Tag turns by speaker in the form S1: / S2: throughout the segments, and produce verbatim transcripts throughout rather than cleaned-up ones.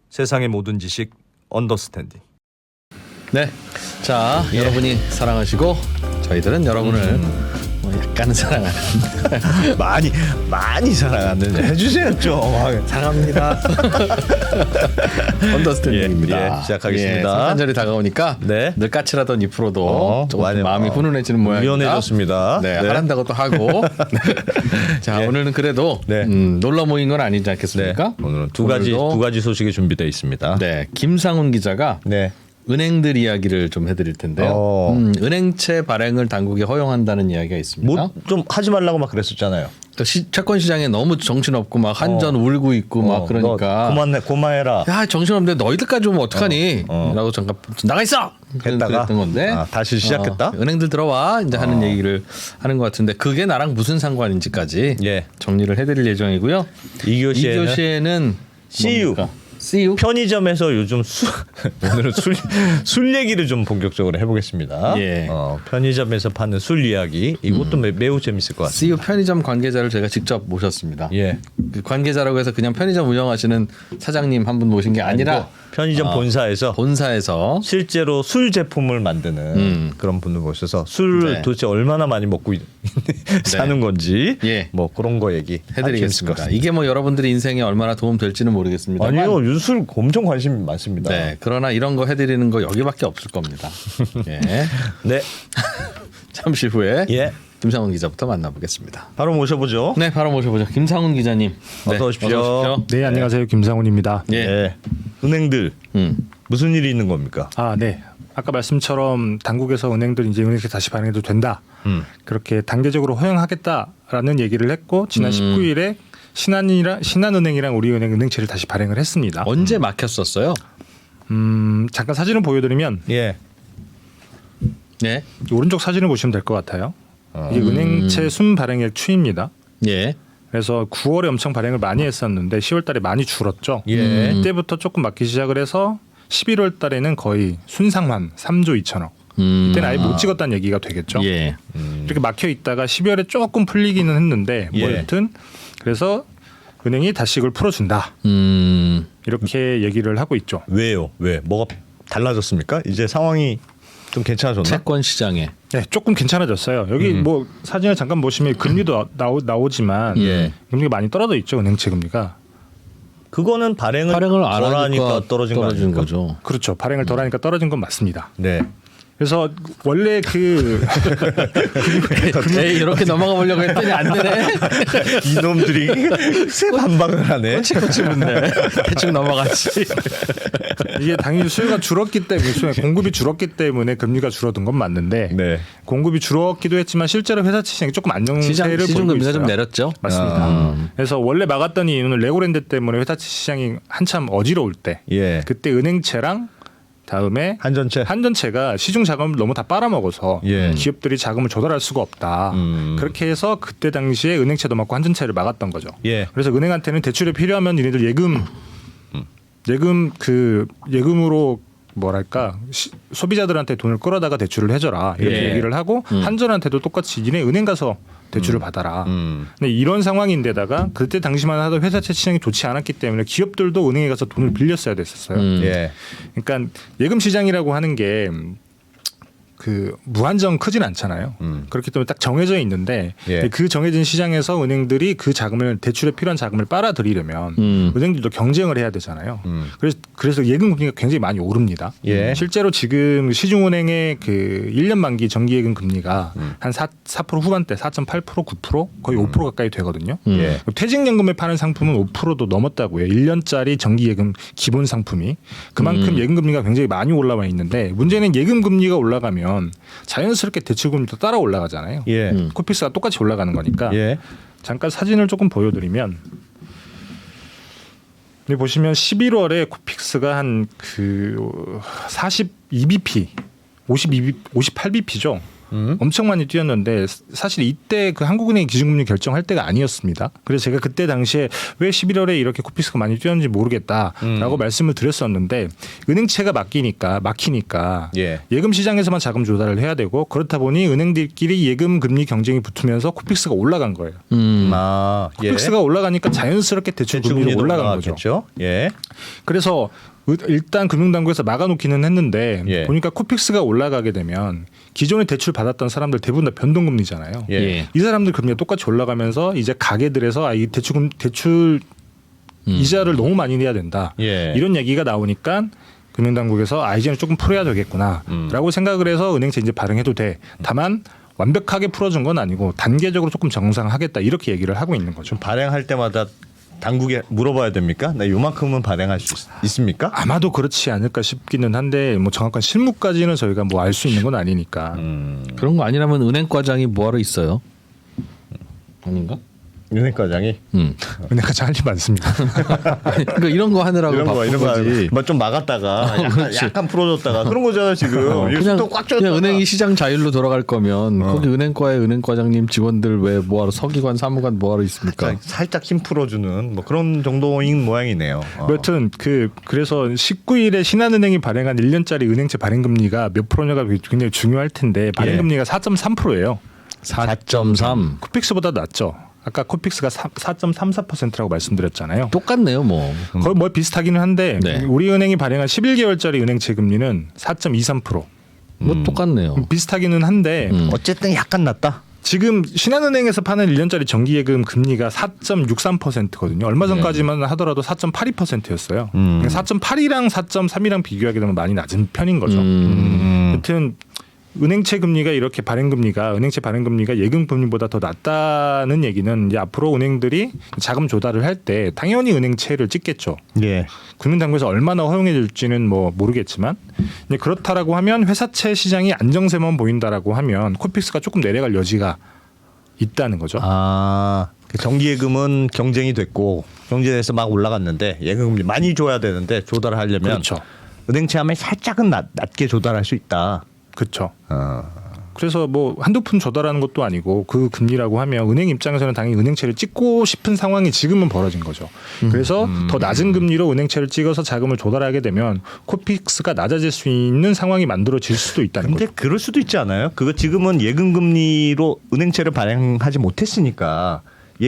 S1: 세상의 모든 지식 언더스탠딩.
S2: 네, 자 예. 여러분이 사랑하시고 저희들은 여러분을 음. 뭐 약간은 사랑하는
S1: 많이 많이 사랑하는 해주세요 좀.
S2: 사랑합니다. 언더스탠딩입니다.
S1: 예, 시작하겠습니다. 예,
S2: 성탄절이 다가오니까 네. 늘 까칠하던 이 프로도 어, 조금 많이, 마음이 어, 훈훈해지는 모양입니다.
S1: 유연해졌습니다.
S2: 네, 네. 하란다고 또 하고. 자 예. 오늘은 그래도 네. 음, 놀러 모인 건 아니지 않겠습니까?
S1: 네. 오늘은 두 가지 두 가지 소식이 준비되어 있습니다.
S2: 네, 김상훈 기자가. 네. 은행들 이야기를 좀 해드릴 텐데요. 어. 음, 은행채 발행을 당국이 허용한다는 이야기가 있습니다.
S1: 뭐 좀 하지 말라고 막 그랬었잖아요.
S2: 시, 채권 시장에 너무 정신없고 막 한전 어. 울고 있고 어. 막 그러니까
S1: 고만해 고마해라.
S2: 야 정신없는데 너희들까지 오면 어떡하니? 어. 어. 라고 잠깐 나가 있어.
S1: 했다가
S2: 그랬던 건데
S1: 아, 다시 시작했다.
S2: 어, 은행들 들어와 이제 하는 어. 얘기를 하는 것 같은데 그게 나랑 무슨 상관인지까지 예. 정리를 해드릴 예정이고요.
S1: 이 교시에는,
S2: 이 교시에는
S1: 씨유.
S2: 씨유?
S1: 편의점에서 요즘 술 오늘은 술, 술 얘기를 좀 본격적으로 해보겠습니다. 예. 어, 편의점에서 파는 술 이야기 이것도 음. 매우 재밌을 것 같습니다.
S2: 씨유 편의점 관계자를 제가 직접 모셨습니다. 예. 그 관계자라고 해서 그냥 편의점 운영하시는 사장님 한 분 모신 게 아니라
S1: 편의점 어, 본사에서
S2: 본사에서
S1: 실제로 술 제품을 만드는 음. 그런 분을 모셔서 술 네. 도대체 얼마나 많이 먹고 사는 네. 건지 예. 뭐 그런 거 얘기
S2: 해드리겠습니다. 이게 뭐 여러분들의 인생에 얼마나 도움 될지는 모르겠습니다만
S1: 아니요 술 엄청 관심이 많습니다.
S2: 네, 그러나 이런 거 해드리는 거 여기밖에 없을 겁니다. 예. 네. 잠시 후에 예. 김상훈 기자부터 만나보겠습니다.
S1: 바로 모셔보죠.
S2: 네, 바로 모셔보죠. 김상훈 기자님.
S1: 어서 네, 오십시오. 어서 오십시오.
S3: 네, 안녕하세요. 김상훈입니다.
S1: 예. 네. 은행들 음. 무슨 일이 있는 겁니까?
S3: 아, 네. 아까 말씀처럼 당국에서 은행들 이제 은행채 다시 발행해도 된다. 음. 그렇게 단계적으로 허용하겠다라는 얘기를 했고 지난 음. 십구 일에 신한이랑 신한은행이랑 우리은행 은행채를 다시 발행을 했습니다.
S2: 언제 막혔었어요?
S3: 음, 잠깐 사진을 보여드리면
S1: 예.
S3: 네. 오른쪽 사진을 보시면 될 것 같아요. 어. 이게 은행채 순 발행액 추이입니다. 예. 그래서 구월에 엄청 발행을 많이 했었는데 시월 달에 많이 줄었죠. 예. 이때부터 조금 막히기 시작을 해서 십일월 달에는 거의 순상환 삼조 이천억. 음. 이때는 아예 못 찍었다는 얘기가 되겠죠. 예. 음. 이렇게 막혀 있다가 십이월에 조금 풀리기는 했는데 뭐
S1: 예.
S3: 여튼 그래서 은행이 다시 이걸 풀어준다. 음. 이렇게 얘기를 하고 있죠.
S1: 왜요? 왜? 뭐가 달라졌습니까? 이제 상황이 좀 괜찮아졌나?
S2: 채권 시장에.
S3: 네, 조금 괜찮아졌어요. 여기 음. 뭐 사진을 잠깐 보시면 금리도 나오, 나오지만 예. 금리가 많이 떨어져 있죠. 은행채 금리가.
S1: 그거는 발행을,
S2: 발행을 안
S1: 하니까 떨어진,
S2: 떨어진 거죠.
S3: 그렇죠. 발행을 덜 하니까 떨어진 건 맞습니다.
S1: 네.
S3: 그래서 원래 그
S2: 에이, 이렇게 넘어가 보려고 했더니 안 되네.
S1: 이놈들이 새 반박을 하네.
S2: 꼬치꼬치 묻네. 대충 넘어갔지.
S3: 이게 당연히 수요가 줄었기 때문에 공급이 줄었기 때문에 금리가 줄어든 건 맞는데 네. 공급이 줄었기도 했지만 실제로 회사 시장이 조금 안정세를
S2: 시장, 시중
S3: 보이고
S2: 금리가
S3: 있어요.
S2: 좀 내렸죠.
S3: 맞습니다. 아. 그래서 원래 막았던 이유는 레고랜드 때문에 회사 시장이 한참 어지러울 때 예. 그때 은행채랑 다음에
S1: 한전채
S3: 한전채가 시중 자금을 너무 다 빨아먹어서 예. 기업들이 자금을 조달할 수가 없다. 음. 그렇게 해서 그때 당시에 은행채도 막고 한전채를 막았던 거죠. 예. 그래서 은행한테는 대출이 필요하면 얘네들 예금 음. 예금 그 예금으로 뭐랄까 시, 소비자들한테 돈을 끌어다가 대출을 해줘라 이렇게 예. 얘기를 하고 음. 한전한테도 똑같이 니네 은행 가서 대출을 음. 받아라. 음. 근데 이런 상황인데다가 그때 당시만 하도 회사채 시장이 좋지 않았기 때문에 기업들도 은행에 가서 돈을 빌렸어야 됐었어요. 음. 예. 그러니까 예금 시장이라고 하는 게 그 무한정 크진 않잖아요. 음. 그렇기 때문에 딱 정해져 있는데 예. 그 정해진 시장에서 은행들이 그 자금을 대출에 필요한 자금을 빨아들이려면 음. 은행들도 경쟁을 해야 되잖아요. 음. 그래서 그래서 예금 금리가 굉장히 많이 오릅니다. 예. 실제로 지금 시중은행의 그 일 년 만기 정기예금 금리가 음. 한 사 퍼센트 후반대 사 점 팔 퍼센트 구 퍼센트 거의 음. 오 퍼센트 가까이 되거든요. 음. 예. 퇴직연금에 파는 상품은 오 퍼센트도 넘었다고요. 일 년짜리 정기예금 기본 상품이 그만큼 음. 예금 금리가 굉장히 많이 올라와 있는데 문제는 예금 금리가 올라가면 자연스럽게 대출금리도 따라 올라가잖아요. 예. 음. 코픽스가 똑같이 올라가는 거니까. 예. 잠깐 사진을 조금 보여드리면 여기 보시면 십일월에 코픽스가 한 그 사십이 비피, 오십이 비, 오십팔 비피죠. 음? 엄청 많이 뛰었는데 사실 이때 그 한국은행이 기준금리 결정할 때가 아니었습니다. 그래서 제가 그때 당시에 왜 십일월에 이렇게 코픽스가 많이 뛰었는지 모르겠다라고 음. 말씀을 드렸었는데 은행채가 막히니까 막히니까 예. 예금 시장에서만 자금 조달을 해야 되고 그렇다 보니 은행들끼리 예금 금리 경쟁이 붙으면서 코픽스가 올라간 거예요. 음. 아, 예. 코픽스가 올라가니까 자연스럽게 대출 금리도 올라간 거죠. 예. 그래서 일단 금융당국에서 막아놓기는 했는데 예. 보니까 코픽스가 올라가게 되면 기존에 대출 받았던 사람들 대부분 다 변동금리잖아요. 예. 이 사람들 금리가 똑같이 올라가면서 이제 가게들에서 아, 이 대출 대출 음. 이자를 너무 많이 내야 된다. 예. 이런 얘기가 나오니까 금융당국에서 아 이제는 조금 풀어야 되겠구나라고 음. 생각을 해서 은행채 이제 발행해도 돼. 다만 완벽하게 풀어준 건 아니고 단계적으로 조금 정상하겠다 이렇게 얘기를 하고 있는 거죠.
S1: 발행할 때마다 당국에 물어봐야 됩니까? 나 요만큼은 발행할 수 있, 있습니까?
S3: 아마도 그렇지 않을까 싶기는 한데 뭐 정확한 실무까지는 저희가 뭐 알 수 있는 건 아니니까.
S2: 음. 그런 거 아니라면 은행과장이 뭐하러 있어요? 아닌가?
S1: 은행과장이?
S3: 음. 은행과장 할 일 많습니다.
S2: 그러니까 이런 거 하느라고
S1: 이런 거
S2: 바쁜
S1: 이런
S2: 거지.
S1: 거 좀 막았다가 약간, 약간 풀어줬다가 그런 거잖아 지금. 어,
S2: 그냥, 꽉 그냥 은행이 시장 자율로 돌아갈 거면 어. 거기 은행과의 은행과장님 직원들 왜 뭐하러 서기관 사무관 뭐하러 있습니까?
S1: 살짝, 살짝 힘 풀어주는 뭐 그런 정도인 모양이네요.
S3: 어. 여튼 그 그래서 십구 일에 신한은행이 발행한 일 년짜리 은행채 발행금리가 몇 프로냐가 굉장히 중요할 텐데 발행금리가 예. 사 점 삼 퍼센트예요.
S2: 사 점 삼.
S3: 코픽스보다 낮죠. 아까 코픽스가 사 점 삼사 퍼센트라고 말씀드렸잖아요.
S2: 똑같네요, 뭐.
S3: 거의 뭐 비슷하기는 한데 네. 우리은행이 발행한 십일 개월짜리 은행채 금리는 사 점 이삼 퍼센트.
S2: 뭐 음. 똑같네요.
S3: 비슷하기는 한데
S1: 음. 어쨌든 약간 낮다.
S3: 지금 신한은행에서 파는 일 년짜리 정기예금 금리가 사 점 육삼 퍼센트거든요. 얼마 전까지만 네. 하더라도 사 점 팔이 퍼센트였어요. 음. 사 점 팔이랑 사 점 삼이랑 비교하게 되면 많이 낮은 편인 거죠. 음. 여튼 은행채 금리가 이렇게 발행금리가 은행채 발행금리가 예금금리보다 더 낮다는 얘기는 이제 앞으로 은행들이 자금 조달을 할 때 당연히 은행채를 찍겠죠. 예. 금융당국에서 얼마나 허용해 줄지는 뭐 모르겠지만 이제 그렇다라고 하면 회사채 시장이 안정세만 보인다라고 하면 코픽스가 조금 내려갈 여지가 있다는 거죠.
S1: 아, 정기예금은 경쟁이 됐고 경쟁에서 막 올라갔는데 예금금리 많이 줘야 되는데 조달을 하려면
S3: 그렇죠.
S1: 은행채 하면 살짝은 낮, 낮게 조달할 수 있다.
S3: 그렇죠. 어. 그래서 뭐 한두 푼 조달하는 것도 아니고 그 금리라고 하면 은행 입장에서는 당연히 은행채를 찍고 싶은 상황이 지금은 벌어진 거죠. 그래서 음. 더 낮은 금리로 은행채를 찍어서 자금을 조달하게 되면 코픽스가 낮아질 수 있는 상황이 만들어질 수도 있다는
S1: 근데
S3: 거죠.
S1: 근데 그럴 수도 있지 않아요? 그거 지금은 예금금리로 은행채를 발행하지 못했으니까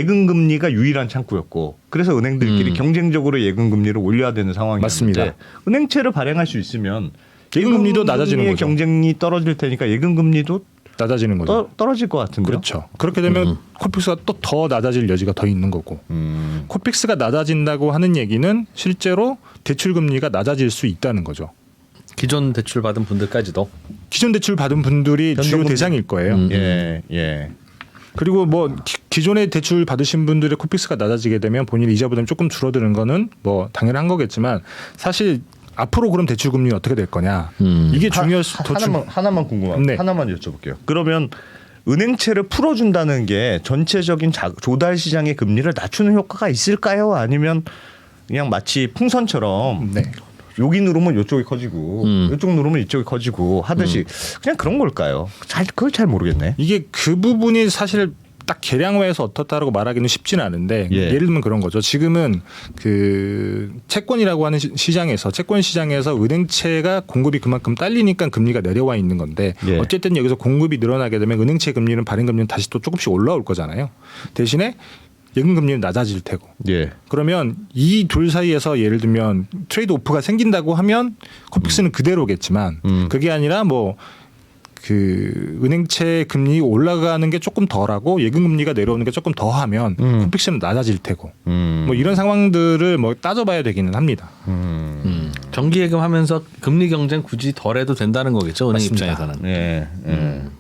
S1: 예금금리가 유일한 창구였고 그래서 은행들끼리 음. 경쟁적으로 예금금리를 올려야 되는 상황이었는데
S3: 맞습니다.
S1: 은행채를 발행할 수 있으면
S3: 예금금리도 낮아지는 거죠.
S1: 경쟁이 떨어질 테니까 예금금리도
S3: 낮아지는 거죠.
S1: 떠, 떨어질 것 같은데요.
S3: 그렇죠. 그렇게 되면 음. 코픽스가 또 더 낮아질 여지가 더 있는 거고. 음. 코픽스가 낮아진다고 하는 얘기는 실제로 대출금리가 낮아질 수 있다는 거죠.
S2: 기존 대출 받은 분들까지도.
S3: 기존 대출 받은 분들이 주요 대상일 거예요.
S1: 음. 예, 예.
S3: 그리고 뭐 기존에 대출 받으신 분들의 코픽스가 낮아지게 되면 본인 이자 부담이 조금 줄어드는 거는 뭐 당연한 거겠지만 사실 앞으로 그럼 대출 금리는 어떻게 될 거냐? 음. 이게 중요할 수
S1: 하, 하나만 하나만 궁금합니다. 네. 하나만 여쭤볼게요. 그러면 은행채를 풀어준다는 게 전체적인 자, 조달 시장의 금리를 낮추는 효과가 있을까요? 아니면 그냥 마치 풍선처럼 네. 여기 누르면 이쪽이 커지고 음. 이쪽 누르면 이쪽이 커지고 하듯이 음. 그냥 그런 걸까요? 잘 그걸 잘 모르겠네.
S3: 이게 그 부분이 사실 딱 계량화해서 어떻다라고 말하기는 쉽지는 않은데 예. 예를 들면 그런 거죠. 지금은 그 채권이라고 하는 시장에서 채권 시장에서 은행채가 공급이 그만큼 딸리니까 금리가 내려와 있는 건데 예. 어쨌든 여기서 공급이 늘어나게 되면 은행채 금리는 발행 금리는 다시 또 조금씩 올라올 거잖아요. 대신에 예금 금리는 낮아질 테고. 예. 그러면 이 둘 사이에서 예를 들면 트레이드 오프가 생긴다고 하면 코픽스는 음. 그대로겠지만 음. 그게 아니라 뭐 그 은행채 금리 올라가는 게 조금 덜하고 예금 금리가 내려오는 게 조금 더하면 음. 코픽스는 낮아질 테고 음. 뭐 이런 상황들을 뭐 따져봐야 되기는 합니다.
S2: 음. 음. 정기예금 하면서 금리 경쟁 굳이 덜해도 된다는 거겠죠, 은행
S3: 맞습니다.
S2: 입장에서는.
S1: 예. 예. 음.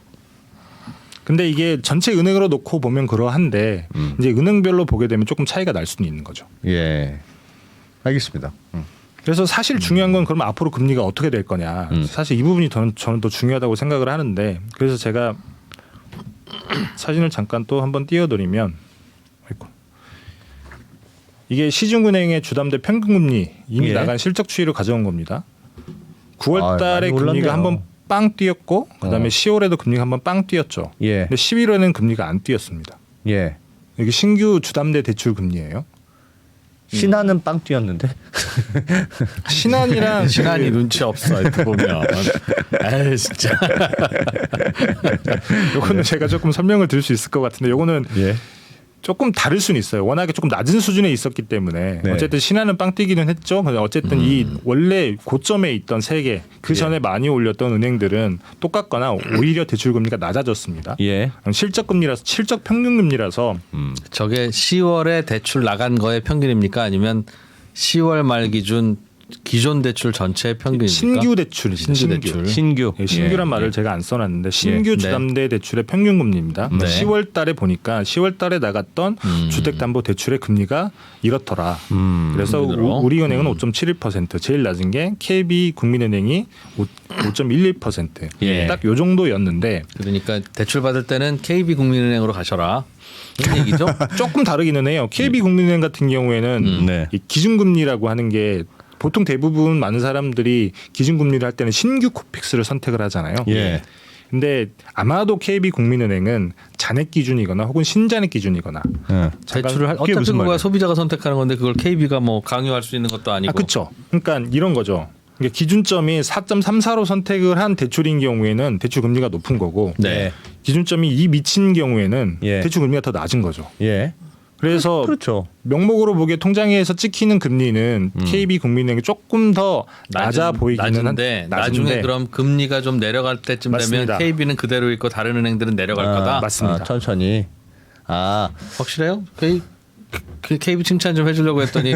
S3: 근데 이게 전체 은행으로 놓고 보면 그러한데 음. 이제 은행별로 보게 되면 조금 차이가 날 수는 있는 거죠.
S1: 예. 알겠습니다. 음.
S3: 그래서 사실 중요한 건 그러면 앞으로 금리가 어떻게 될 거냐. 음. 사실 이 부분이 저는, 저는 더 중요하다고 생각을 하는데 그래서 제가 사진을 잠깐 또 한번 띄워드리면 이게 시중은행의 주담대 평균금리 이미 예. 나간 실적 추이를 가져온 겁니다. 구월 달에 아, 금리가 한번 빵 뛰었고 그다음에
S1: 어.
S3: 시월에도 금리가 한번 빵 뛰었죠.
S1: 예.
S3: 근데 십일월에는 금리가 안 뛰었습니다.
S1: 예.
S3: 이게 신규 주담대 대출 금리예요.
S1: 신한은 빵 뛰었는데.
S3: 신한이랑
S2: 신한이 눈치 없어 이렇게 보면. 에이 진짜.
S3: 요거는 제가 조금 설명을 드릴 수 있을 것 같은데 요거는
S1: 예.
S3: 조금 다를 수는 있어요. 워낙에 조금 낮은 수준에 있었기 때문에
S1: 네.
S3: 어쨌든 신한은 빵 뛰기는 했죠. 근데 어쨌든
S2: 음.
S3: 이 원래 고점에 있던 세 개 그 전에
S1: 예.
S3: 많이 올렸던 은행들은 똑같거나 오히려 대출 금리가 낮아졌습니다.
S1: 예.
S3: 실적 금리라서 실적 평균 금리라서
S1: 음.
S2: 저게 시월에 대출 나간 거의 평균입니까? 아니면 시월 말 기준 기존 대출 전체의 평균입니까?
S3: 신규 대출입니다.
S2: 신규
S3: 신규.
S2: 대출.
S1: 신규.
S3: 예, 신규란
S1: 예.
S3: 말을 제가 안 써놨는데 신규
S2: 네.
S3: 주담대 대출의 평균 금리입니다.
S2: 네.
S3: 시월 달에 보니까 시월 달에 나갔던
S2: 음.
S3: 주택담보대출의 금리가 이렇더라.
S1: 음.
S3: 그래서
S2: 금리로?
S3: 우- 우리은행은
S2: 음.
S3: 오 점 칠일 퍼센트, 제일 낮은 게 케이비국민은행이 오 점 일일 퍼센트.
S2: 예.
S3: 딱 요 정도였는데
S2: 그러니까 대출 받을 때는 케이비국민은행으로 가셔라. 이런 얘기죠?
S3: 조금 다르기는 해요. 케이비국민은행 같은 경우에는
S2: 음.
S1: 네.
S3: 이 기준금리라고 하는 게 보통 대부분 많은 사람들이 기준금리를 할 때는 신규 코픽스를 선택을 하잖아요.
S1: 예.
S3: 근데 아마도 케이비국민은행은 잔액 기준이거나 혹은 신잔액 기준이거나
S1: 예.
S2: 대출을 할
S1: 그게
S2: 어차피
S1: 무슨
S2: 그거야
S1: 말이에요?
S2: 소비자가 선택하는 건데 그걸 케이비가 뭐 강요할 수 있는 것도 아니고.
S3: 아, 그렇죠. 그러니까 이런 거죠. 그러니까 기준점이 사 점 삼사로 선택을 한 대출인 경우에는 대출 금리가 높은 거고
S2: 네.
S3: 기준점이 이 미친 경우에는
S1: 예.
S3: 대출 금리가 더 낮은 거죠.
S1: 예.
S3: 그래서
S1: 그렇죠.
S3: 명목으로 보기에 통장에서 찍히는 금리는
S1: 음.
S3: 케이비국민은행이 조금 더 낮아
S2: 낮은-
S3: 보이기는
S2: 낮은데,
S3: 한
S2: 나중에 그럼 금리가 좀 내려갈 때쯤
S3: 맞습니다.
S2: 되면 케이비는 그대로 있고 다른 은행들은 내려갈
S1: 아,
S2: 거다.
S3: 맞습니다.
S1: 아, 천천히. 아,
S2: 확실해요? 케이, 그 케이비 칭찬 좀 해주려고 했더니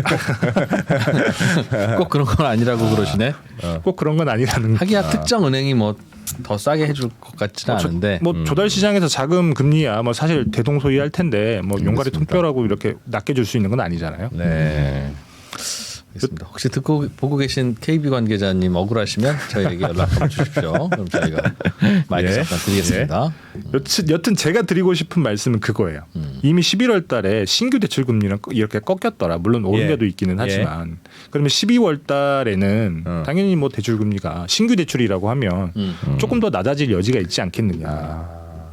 S2: 꼭 그런 건 아니라고 그러시네.
S3: 꼭 그런 건 아니라는
S2: 하기야 특정 은행이 뭐 더 싸게 해줄 것 같지는
S3: 저-
S2: 않은데.
S3: 뭐
S1: 음.
S3: 조달 시장에서 자금 금리야 뭐 사실 대동소이할 텐데 뭐 용가리 통뼈라고 이렇게 낮게 줄 수 있는 건 아니잖아요.
S1: 네.
S2: 알겠습니다. 혹시 듣고 보고 계신 케이비 관계자님 억울하시면 저희에게 연락 한번 주십시오. 그럼 저희가 마이크
S1: 예.
S2: 잠깐 드리겠습니다.
S3: 여튼, 여튼 제가 드리고 싶은 말씀은 그거예요.
S2: 음.
S3: 이미 십일월 달에 신규 대출 금리는 이렇게 꺾였더라. 물론 오른
S1: 예.
S3: 데도 있기는 하지만 그러면 십이월 달에는
S1: 어.
S3: 당연히 뭐 대출 금리가 신규 대출이라고 하면
S2: 음.
S3: 조금 더 낮아질 여지가 있지 않겠느냐.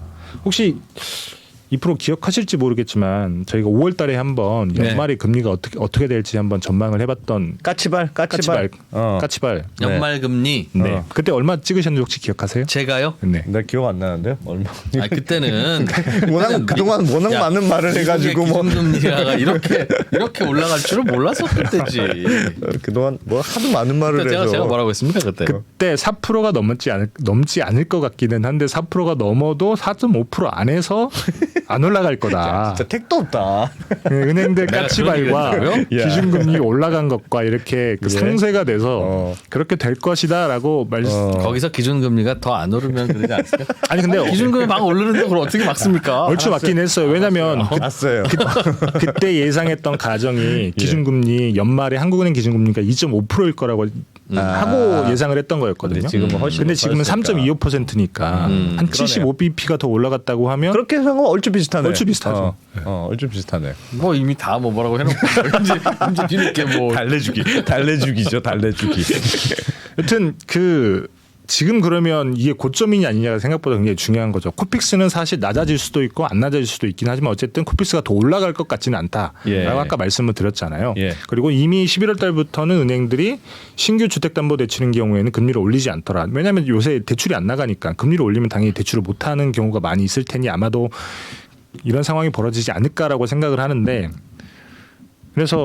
S3: 혹시 이 프로 기억하실지 모르겠지만 저희가 오월 달에 한번
S2: 네.
S3: 연말에 금리가 어떻게 어떻게 될지 한번 전망을 해봤던
S1: 까치발, 까치발.
S3: 까치발
S1: 어.
S3: 까치발.
S2: 연말 금리
S3: 네.
S1: 어.
S3: 그때 얼마 찍으셨는지 혹시 기억하세요?
S2: 제가요?
S3: 네.
S1: 나 기억 안 나는데 얼마.
S2: 아 그때는
S1: 워낙 그동안 워낙
S2: 야,
S1: 많은 말을 해가지고 뭐
S2: 기준금리가 이렇게 이렇게 올라갈 줄은 몰랐었을 때지.
S1: 그동안 뭐 하도 많은 말을
S2: 그때 제가
S1: 해서.
S2: 제가 뭐라고 했습니까 그때?
S3: 그때 사 퍼센트가 넘지 않을 넘지 않을 것 같기는 한데 사 퍼센트가 넘어도 사 점 오 퍼센트 안에서 안 올라갈 거다.
S1: 진짜 택도 없다.
S3: 은행들
S2: 내가
S3: 까치발과
S2: 그런 얘기를
S3: 기준금리 올라간 것과 이렇게 그
S1: 예.
S3: 상쇄가 돼서
S1: 어.
S3: 그렇게 될 것이다라고 말씀.
S1: 어.
S2: 거기서 기준금리가 더 안 오르면 그러지 않습니까?
S3: 아니 근데
S2: 기준금리 막 오르는데 그걸 어떻게 막습니까?
S3: 얼추 맞긴 했어요. 왜냐하면 그,
S1: 봤어요.
S3: 그때 예상했던 가정이 기준금리 연말에 한국은행 기준금리가 이 점 오 퍼센트일 거라고 하고
S1: 아.
S3: 예상을 했던 거였거든요.
S1: 근데 지금은 훨씬
S3: 근데 지금은 삼 점 이오 퍼센트니까
S2: 음,
S3: 한 칠십오 비피가 더 올라갔다고 하면
S1: 그렇게 생각하면 얼추 비슷하네.
S3: 얼추 비슷하죠.
S1: 어, 어, 얼추 비슷하네.
S2: 뭐 이미 다 뭐 뭐라고 해놓고 이제 이제 뒤늦게 뭐
S1: 달래주기, 달래주기죠, 달래주기.
S3: 여튼 그 지금 그러면 이게 고점이냐 아니냐가 생각보다 굉장히 중요한 거죠. 코픽스는 사실 낮아질 수도 있고 안 낮아질 수도 있긴 하지만 어쨌든 코픽스가 더 올라갈 것 같지는 않다라고
S1: 예.
S3: 아까 말씀을 드렸잖아요.
S1: 예.
S3: 그리고 이미 십일월 달부터는 은행들이 신규 주택담보대출인 경우에는 금리를 올리지 않더라. 왜냐하면 요새 대출이 안 나가니까 금리를 올리면 당연히 대출을 못하는 경우가 많이 있을 테니 아마도 이런 상황이 벌어지지 않을까라고 생각을 하는데 그래서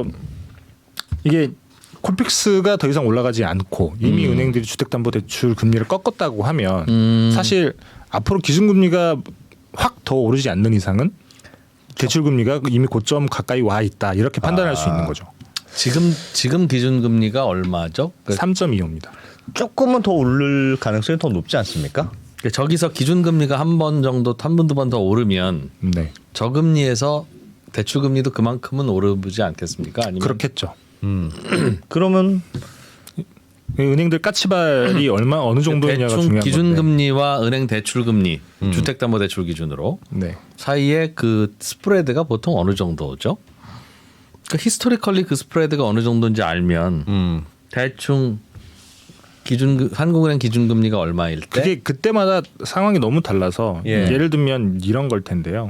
S3: 이게 콜픽스가 더 이상 올라가지 않고 이미
S2: 음.
S3: 은행들이 주택담보대출 금리를 꺾었다고 하면
S2: 음.
S3: 사실 앞으로 기준금리가 확 더 오르지 않는 이상은 대출금리가 이미 고점 가까이 와 있다 이렇게 판단할
S1: 아.
S3: 수 있는 거죠.
S2: 지금 지금 기준금리가 얼마죠? 그,
S3: 삼 점 이오입니다.
S1: 조금은 더 오를 가능성이 더 높지 않습니까?
S2: 그 저기서 기준금리가 한 번 정도 한 번 두 번 더 오르면
S3: 네,
S2: 저금리에서 대출금리도 그만큼은 오르지 않겠습니까? 아니면
S3: 그렇겠죠.
S1: 음. 그러면
S3: 은행들 까치발이 얼마 어느 정도냐가
S2: 대충
S3: 중요한 건데.
S2: 기준금리와 은행 대출금리,
S1: 음.
S2: 주택담보대출 기준으로
S3: 네.
S2: 사이에 그 스프레드가 보통 어느 정도죠? 그 히스토리컬리 그 스프레드가 어느 정도인지 알면
S1: 음.
S2: 대충 기준 한국은행 기준금리가 얼마일 때?
S3: 그게 그때마다 상황이 너무 달라서
S1: 예.
S3: 예를 들면 이런 걸 텐데요.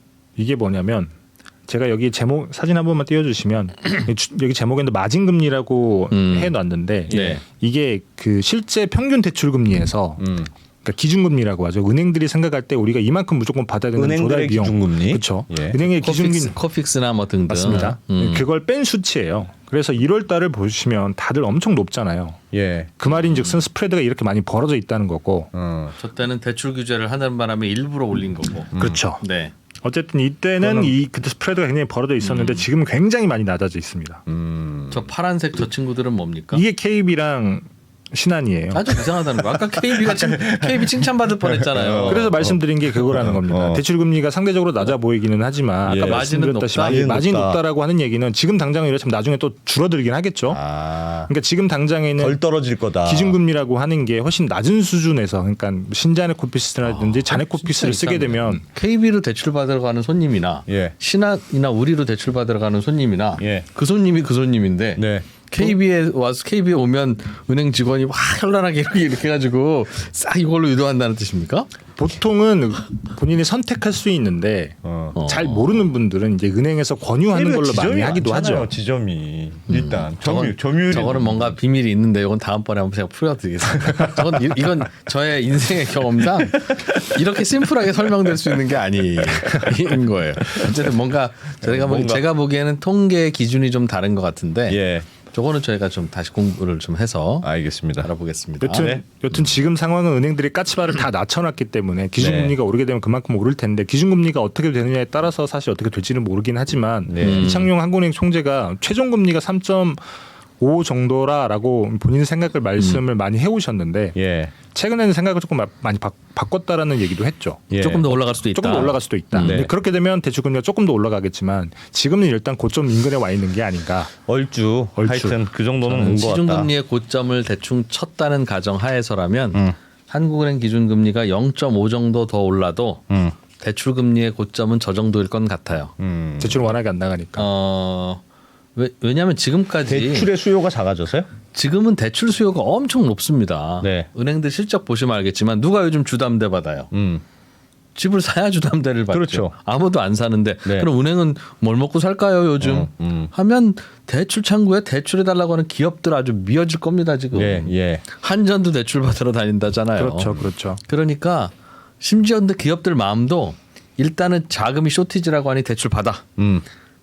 S3: 이게 뭐냐면 제가 여기 제목 사진 한 번만 띄워주시면 여기 제목에는 마진금리라고
S2: 음.
S3: 해놨는데
S2: 네.
S3: 이게 그 실제 평균 대출금리에서
S1: 음.
S3: 그러니까 기준금리라고 하죠. 은행들이 생각할 때 우리가 이만큼 무조건 받아야 되는 조달
S1: 은행들의
S3: 비용.
S1: 기준금리.
S3: 그렇죠.
S1: 예.
S3: 은행의 기준금리
S2: 코픽스, 코픽스나 뭐 등등.
S3: 맞습니다.
S2: 음.
S3: 그걸 뺀 수치예요. 그래서 일월 달을 보시면 다들 엄청 높잖아요.
S1: 예.
S3: 그 말인즉슨 스프레드가 이렇게 많이 벌어져 있다는 거고.
S1: 어.
S2: 저 때는 대출 규제를 하는 바람에 일부러 올린 거고.
S3: 그렇죠.
S2: 네.
S3: 어쨌든 이때는
S1: 그거는-
S3: 이 그때 스프레드가 굉장히 벌어져 있었는데
S2: 음.
S3: 지금은 굉장히 많이 낮아져 있습니다.
S1: 음.
S2: 저 파란색 저 친구들은 뭡니까?
S3: 이게 케이비랑 신한이에요.
S2: 아주 이상하다는 거. 아까 케이비가 케이비 칭찬받을 뻔했잖아요.
S3: 그래서 말씀드린 게 그거라는 겁니다.
S1: 어.
S3: 대출 금리가 상대적으로 낮아 보이기는 하지만
S1: 예.
S3: 아까
S2: 마진은
S3: 말씀드렸다시피
S2: 높다?
S3: 마진, 마진
S1: 높다.
S3: 높다라고 하는 얘기는 지금 당장은 이렇지만 나중에 또 줄어들긴 하겠죠.
S1: 아.
S3: 그러니까 지금 당장에는
S1: 덜 떨어질 거다.
S3: 기준금리라고 하는 게 훨씬 낮은 수준에서 그러니까 신자네 코피스라든지 자네 코피스를 쓰게 되면
S2: 케이비로 대출 받으러 가는 손님이나
S1: 예.
S2: 신한이나 우리로 대출 받으러 가는 손님이나
S1: 예.
S2: 그 손님이 그 손님인데
S1: 네.
S2: 케이비에 와서 케이비에 오면 은행 직원이 와 현란하게 이렇게 이렇게 해가지고 싹 이걸로 유도한다는 뜻입니까?
S3: 보통은 본인이 선택할 수 있는데
S1: 어.
S2: 어.
S3: 잘 모르는 분들은 이제 은행에서 권유하는 걸로 많이 하기도
S1: 많잖아요,
S3: 하죠.
S1: 지점이 일단 점유
S2: 저건-
S1: 점유율이
S2: 저거는 뭔가 비밀이 있는데 이건 다음번에 한번 제가 풀어드리겠습니다. 저건 이, 이건 저의 인생의 경험상 이렇게 심플하게 설명될 수 있는 게 아닌 거예요. 어쨌든 뭔가 제가, 보,
S1: 뭔가-
S2: 제가 보기에는 통계 기준이 좀 다른 것 같은데
S1: 예.
S2: 저거는 저희가 좀 다시 공부를 좀 해서
S1: 알겠습니다.
S2: 알아보겠습니다.
S3: 여튼
S1: 네.
S3: 여튼 지금 상황은 은행들이 까치발을 다 낮춰놨기 때문에 기준금리가 오르게 되면 그만큼 오를 텐데 기준금리가 어떻게 되느냐에 따라서 사실 어떻게 될지는 모르긴 하지만
S1: 네.
S3: 이창용 한국은행 총재가 최종금리가 삼 점 오 정도라라고 본인 생각을 말씀을 많이 해오셨는데
S1: 예.
S3: 최근에는 생각을 조금 마- 많이 바, 바꿨다라는 얘기도 했죠.
S1: 예.
S2: 조금 더 올라갈 수도 있다.
S3: 조금 더 올라갈 수도 있다.
S1: 네.
S3: 근데 그렇게 되면 대출금리가 조금 더 올라가겠지만 지금은 일단 고점 인근에 와 있는 게 아닌가.
S1: 얼추,
S3: 얼추.
S1: 하여튼 그 정도는 온 것 같다.
S2: 시중금리의 고점을 대충 쳤다는 가정 하에서라면
S1: 음.
S2: 한국은행 기준금리가 영 점 오 정도 더 올라도
S1: 음.
S2: 대출금리의 고점은 저 정도일 건 같아요.
S1: 음.
S3: 대출은 워낙에 안 나가니까.
S2: 어, 왜, 왜냐하면 지금까지
S1: 대출의 수요가 작아져서요?
S2: 지금은 대출 수요가 엄청 높습니다.
S1: 네.
S2: 은행들 실적 보시면 알겠지만 누가 요즘 주담대 받아요?
S1: 음.
S2: 집을 사야 주담대를 받죠.
S1: 그렇죠.
S2: 아무도 안 사는데
S1: 네.
S2: 그럼 은행은 뭘 먹고 살까요 요즘?
S1: 음, 음.
S2: 하면 대출 창구에 대출해 달라고 하는 기업들 아주 미어질 겁니다 지금.
S1: 예, 예.
S2: 한전도 대출 받으러 다닌다잖아요.
S3: 그렇죠, 그렇죠.
S2: 그러니까 심지어 근데 기업들 마음도 일단은 자금이 쇼티지라고 하니 대출 받아.
S1: 음.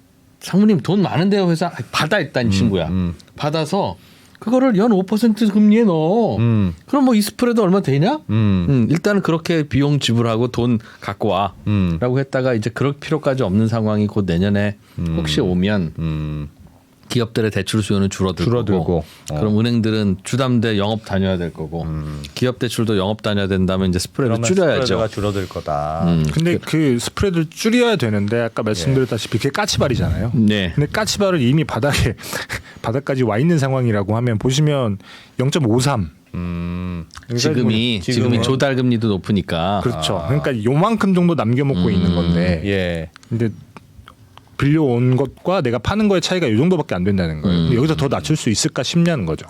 S2: 상무님 돈 많은데요 회사 아이, 받아 일단 이 친구야.
S1: 음.
S2: 받아서 그거를 연 오 퍼센트 금리에 넣어.
S1: 음.
S2: 그럼 뭐 이 스프레드 얼마 되냐?
S1: 음.
S2: 음, 일단은 그렇게 비용 지불하고 돈 갖고 와라고
S1: 음.
S2: 했다가 이제 그럴 필요까지 없는 상황이 곧 내년에 혹시 오면
S1: 음.
S2: 기업들의 대출 수요는 줄어들고,
S1: 줄어들고. 어.
S2: 그럼 은행들은 주담대 영업 다녀야 될 거고 기업 대출도 영업 다녀야 된다면 이제 스프레드
S1: 그러면
S2: 줄여야죠.
S1: 스프레드가 줄어들 거다.
S2: 음.
S3: 근데 그 스프레드를 줄여야 되는데 아까 말씀드렸다시피 그게 까치발이잖아요.
S2: 네.
S3: 근데 까치발을 이미 바닥에 바닥까지 와 있는 상황이라고 하면 보시면 영 점 오삼.
S1: 음.
S2: 지금이
S1: 지금은-
S2: 지금이 조달 금리도 높으니까
S3: 그렇죠. 그러니까 요만큼 정도 남겨 먹고 있는 건데.
S1: 예.
S3: 근데 빌려온 것과 내가 파는 거의 차이가 이 정도밖에 안 된다는 거예요.
S2: 음.
S3: 여기서 더 낮출 수 있을까 싶냐는 거죠.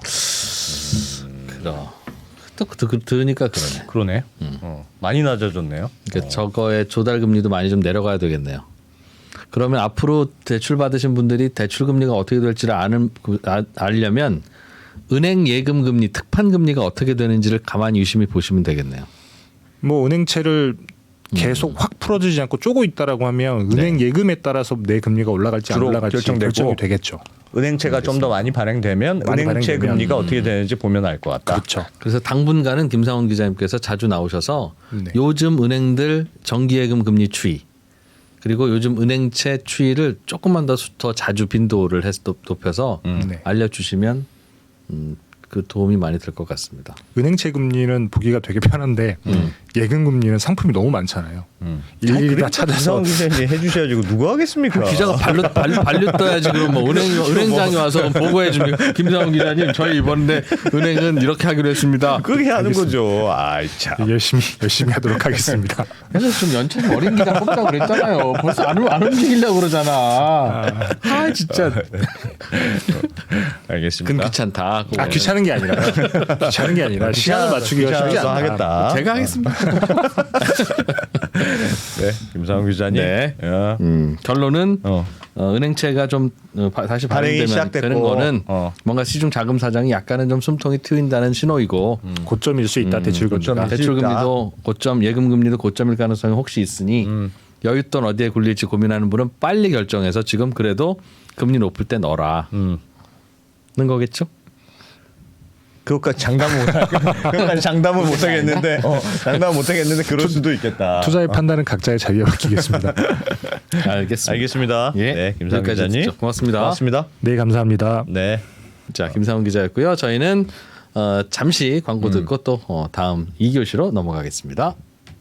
S2: 그러. 또 그- 들으니까 그러네.
S1: 그러네. 어. 많이 낮아졌네요.
S2: 그러니까 저거의 조달 금리도 많이 좀 내려가야 되겠네요. 그러면 앞으로 대출 받으신 분들이 대출 금리가 어떻게 될지를 아는 그- 아, 알려면 은행 예금 금리, 특판 금리가 어떻게 되는지를 가만히 유심히 보시면 되겠네요.
S3: 뭐 은행채를 계속 확 풀어주지 않고 쪼고 있다라고 하면 은행 예금에 따라서 내 금리가 올라갈지 안
S1: 주로
S3: 올라갈지
S1: 결정되고.
S3: 결정이 되겠죠.
S1: 은행채가 좀 더 많이 발행되면
S3: 많이
S1: 은행채
S3: 발행되면.
S1: 금리가 어떻게 되는지 보면 알 것 같다.
S3: 그렇죠.
S2: 그래서 당분간은 김상훈 기자님께서 자주 나오셔서
S3: 네.
S2: 요즘 은행들 정기예금 금리 추이 그리고 요즘 은행채 추이를 조금만 더, 수- 더 자주 빈도를 해서 높- 높여서
S3: 네.
S2: 알려주시면 음, 그 도움이 많이 될 것 같습니다.
S3: 은행채 금리는 보기가 되게 편한데 예금 금리는 상품이 너무 많잖아요.
S1: 음.
S3: 일일이 다 찾아서
S1: 김상훈 기자님이 해주셔야지 누가 하겠습니까?
S2: 기자가 발로 발로 발로 떠야지 그럼 뭐 은행 은행장이 와서 보고해 주면 김상훈 기자님 저희 이번에 은행은 이렇게 하기로 했습니다.
S1: 그렇게 하는 거죠. 아이 참.
S3: 열심히 열심히 하도록 하겠습니다.
S2: 그래서 좀 연차좀 어린 기자 뽑자고 그랬잖아요. 벌써 안, 안 움직이려고 그러잖아. 아 진짜
S1: 알겠습니다.
S2: 근 귀찮다.
S3: 아 귀찮은 귀찮은 게 아니라 귀찮은 게 아니라 시간을 맞추기가 쉽지 않다.
S1: 하겠다.
S2: 제가 하겠습니다.
S1: 네, 김상훈 기자님.
S2: 네.
S1: 야.
S2: 음, 결론은
S1: 어.
S2: 어, 은행채가 좀 어, 바, 다시
S1: 발행이
S2: 발행되면
S1: 시작됐고.
S2: 되는 거는
S1: 어.
S2: 뭔가 시중 자금 사정이 약간은 좀 숨통이 트인다는 신호이고
S3: 음. 고점일 수 있다. 대출 금리가.
S1: 고점일 수
S2: 대출
S1: 있다.
S2: 금리도 고점, 예금 금리도 고점일 가능성이 혹시 있으니
S1: 음.
S2: 여윳돈 어디에 굴릴지 고민하는 분은 빨리 결정해서 지금 그래도 금리 높을 때 넣어라.
S1: 음.
S2: 는 거겠죠?
S1: 그것까지 장담을 못 그것까지 장담을 못 하겠는데 어, 장담을 못 하겠는데 그럴 수도 있겠다.
S3: 투자의 판단은 각자의 자유에 맡기겠습니다.
S2: 알겠습니다.
S1: 알겠습니다.
S2: 예.
S1: 네, 김상훈
S2: 여기까지
S1: 기자님.
S2: 듣죠. 고맙습니다.
S1: 고맙습니다.
S3: 네, 감사합니다.
S1: 네.
S2: 자, 김상훈 기자였고요. 저희는 어, 잠시 광고 듣고 또 어, 다음 이 교시로 넘어가겠습니다.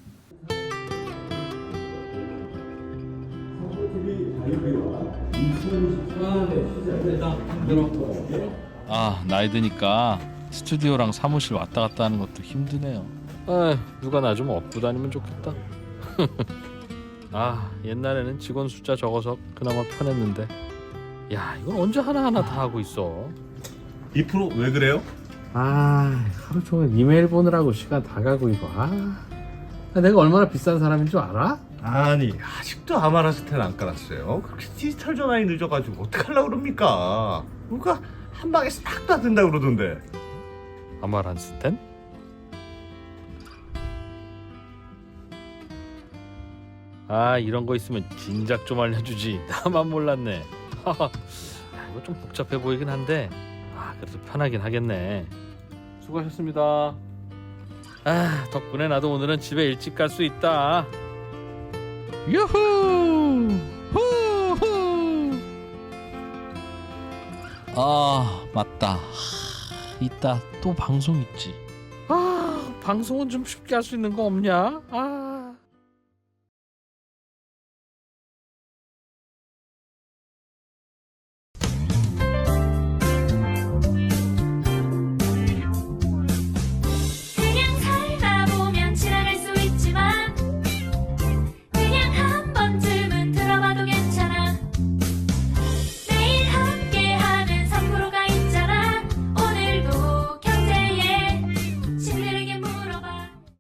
S2: 아, 나이 드니까 스튜디오랑 사무실 왔다 갔다 하는 것도 힘드네요. 아, 누가 나 좀 업고 다니면 좋겠다. 아, 옛날에는 직원 숫자 적어서 그나마 편했는데, 야, 이건 언제 하나하나 다 하고 있어.
S1: 이 프로 왜 그래요?
S2: 아, 하루 종일 이메일 보느라고 시간 다 가고 이거. 아, 내가 얼마나 비싼 사람인 줄 알아?
S4: 아니 아직도 아마라스텐 안 깔았어요. 그렇게 디지털 전환이 늦어가지고 어떡하려고 그럽니까? 누가 한 방에 싹 다 된다 그러던데.
S2: 아마란스텐? 아, 이런 거 있으면 진작 좀 알려주지. 나만 몰랐네. 아, 이거 좀 복잡해 보이긴 한데, 아, 그래도 편하긴 하겠네. 수고하셨습니다. 아, 덕분에 나도 오늘은 집에 일찍 갈 수 있다. 유후! 후후! 아, 맞다. 이따 또 방송 있지. 아, 방송은 좀 쉽게 할 수 있는 거 없냐? 아.